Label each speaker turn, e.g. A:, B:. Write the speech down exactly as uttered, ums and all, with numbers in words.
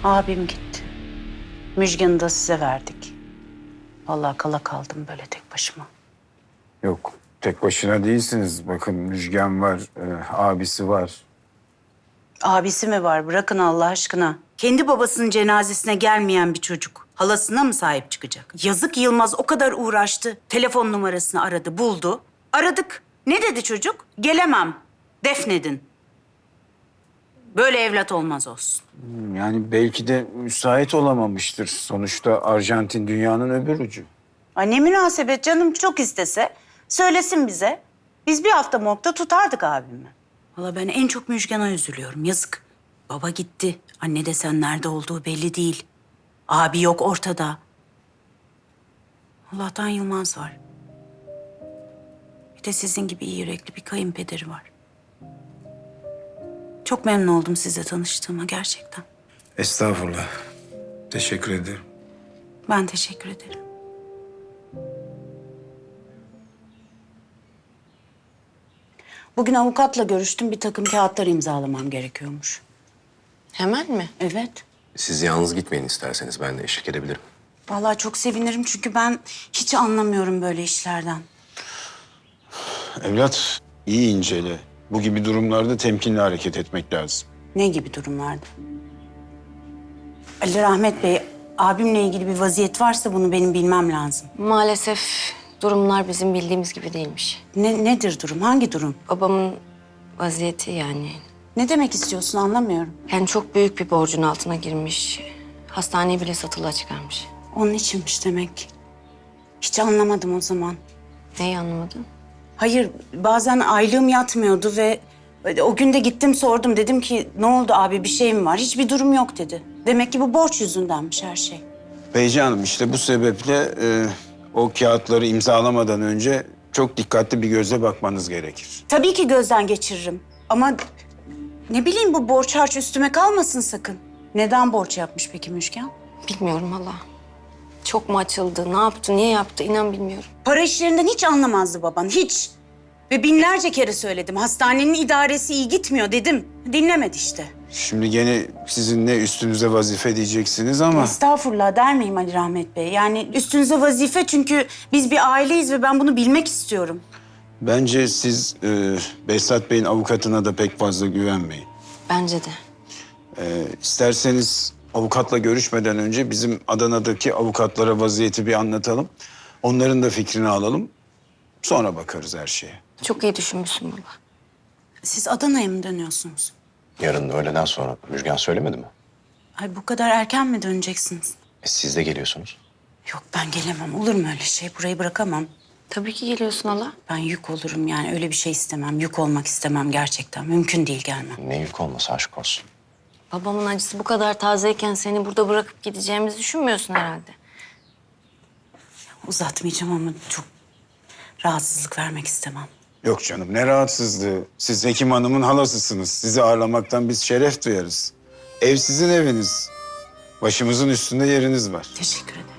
A: Abim gitti. Müjgan'ı da size verdik. Vallahi kala kaldım böyle tek başıma.
B: Yok, tek başına değilsiniz. Bakın Müjgan var, e, abisi var.
A: Abisi mi var? Bırakın Allah aşkına. Kendi babasının cenazesine gelmeyen bir çocuk halasına mı sahip çıkacak? Yazık Yılmaz o kadar uğraştı. Telefon numarasını aradı, buldu. Aradık. Ne dedi çocuk? Gelemem. Defnedin. Böyle evlat olmaz olsun.
B: Yani belki de müsait olamamıştır. Sonuçta Arjantin dünyanın öbür ucu.
A: Ay ne münasebet canım, çok istese söylesin bize. Biz bir hafta morgda tutardık abimi. Valla ben en çok Müjgan'a üzülüyorum. Yazık. Baba gitti. Anne desen nerede olduğu belli değil. Abi yok ortada. Allah'tan Yılmaz var. Bir de sizin gibi iyi yürekli bir kayınpederi var. Çok memnun oldum sizle tanıştığıma gerçekten.
B: Estağfurullah. Teşekkür ederim.
A: Ben teşekkür ederim. Bugün avukatla görüştüm. Bir takım kağıtlar imzalamam gerekiyormuş.
C: Hemen mi?
A: Evet.
D: Siz yalnız gitmeyin isterseniz. Ben de eşlik edebilirim.
A: Vallahi çok sevinirim çünkü ben hiç anlamıyorum böyle işlerden.
B: Evlat, iyi incele. Bu gibi durumlarda temkinli hareket etmek lazım.
A: Ne gibi durumlarda? Ali Rahmet Bey, abimle ilgili bir vaziyet varsa bunu benim bilmem lazım.
C: Maalesef durumlar bizim bildiğimiz gibi değilmiş.
A: Ne, nedir durum? Hangi durum?
C: Babamın vaziyeti yani.
A: Ne demek istiyorsun anlamıyorum.
C: Yani çok büyük bir borcun altına girmiş. Hastaneyi bile satılığa çıkarmış.
A: Onun içinmiş demek. Hiç anlamadım o zaman.
C: Neyi anlamadın?
A: Hayır, bazen aylığım yatmıyordu ve o gün de gittim sordum. Dedim ki ne oldu abi, bir şey mi var? Hiçbir durum yok dedi. Demek ki bu borç yüzündenmiş her şey.
B: Beyci Hanım, işte bu sebeple e, o kağıtları imzalamadan önce çok dikkatli bir gözle bakmanız gerekir.
A: Tabii ki gözden geçiririm ama ne bileyim bu borç harç üstüme kalmasın sakın. Neden borç yapmış peki Müjgan?
C: Bilmiyorum hala. Çok mu açıldı, ne yaptı, niye yaptı inan bilmiyorum.
A: Para işlerinden hiç anlamazdı baban, hiç. Ve binlerce kere söyledim. Hastanenin idaresi iyi gitmiyor dedim. Dinlemedi işte.
B: Şimdi gene sizin ne üstünüze vazife diyeceksiniz ama...
A: Estağfurullah der miyim Ali Rahmet Bey? Yani üstünüze vazife çünkü biz bir aileyiz ve ben bunu bilmek istiyorum.
B: Bence siz e, Behzat Bey'in avukatına da pek fazla güvenmeyin.
C: Bence de.
B: E, isterseniz avukatla görüşmeden önce bizim Adana'daki avukatlara vaziyeti bir anlatalım. Onların da fikrini alalım. Sonra bakarız her şeye.
C: Çok iyi düşünmüşsün baba.
A: Siz Adana'ya mı dönüyorsunuz?
D: Yarın öğleden sonra. Müjgan söylemedi mi?
A: Ay bu kadar erken mi döneceksiniz?
D: E, siz de geliyorsunuz.
A: Yok ben gelemem. Olur mu öyle şey? Burayı bırakamam.
C: Tabii ki geliyorsun hala.
A: Ben yük olurum yani öyle bir şey istemem. Yük olmak istemem gerçekten. Mümkün değil gelmem.
D: Ne yük olmasa aşk olsun.
C: Babamın acısı bu kadar tazeyken seni burada bırakıp gideceğimizi düşünmüyorsun herhalde.
A: Uzatmayacağım ama çok rahatsızlık vermek istemem.
B: Yok canım, ne rahatsızlığı. Siz Hekim Hanım'ın halasısınız. Sizi ağırlamaktan biz şeref duyarız. Ev sizin eviniz. Başımızın üstünde yeriniz var.
A: Teşekkür ederim.